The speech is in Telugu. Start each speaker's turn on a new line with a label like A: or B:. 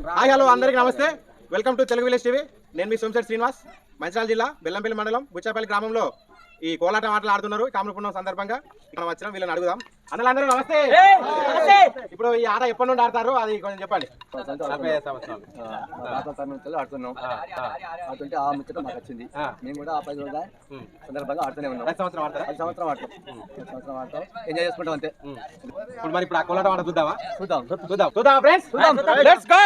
A: హాయ్ హలో అందరికీ నమస్తే. Welcome to Telugu village TV. నేను మీ సోమశేఖర్ శ్రీనివాస్. మంచిర్యాల జిల్లా బెల్లంపల్లి మండలం బుచ్చాపల్లి గ్రామంలో ఈ కోలాటం ఆటలు ఆడుతున్నారు. కామరపుణం సందర్భంగా మనం వచ్చినాం. వీళ్ళని అడుగుదాం. అందరూ నమస్తే. ఇప్పుడు ఈ ఆట ఎప్పటి నుండి ఆడతారు అది కొంచెం చెప్పండి.
B: ఆడుతున్నాం ఆడుతుంటే ఆ ముచ్చట మాకు వచ్చింది. మేము కూడా ఆ 10 రోజుల సందర్భంగా ఆడుతూనే ఉన్నాం. సంవత్సరం ఆడతాం, ఎంజాయ్ చేసుకుంటాం అంతే.
A: ఇప్పుడు మరి ఇప్పుడు ఆ కోలాటం ఆట చూద్దామా?
B: చూద్దాం ఫ్రెండ్స్.
A: Let's go.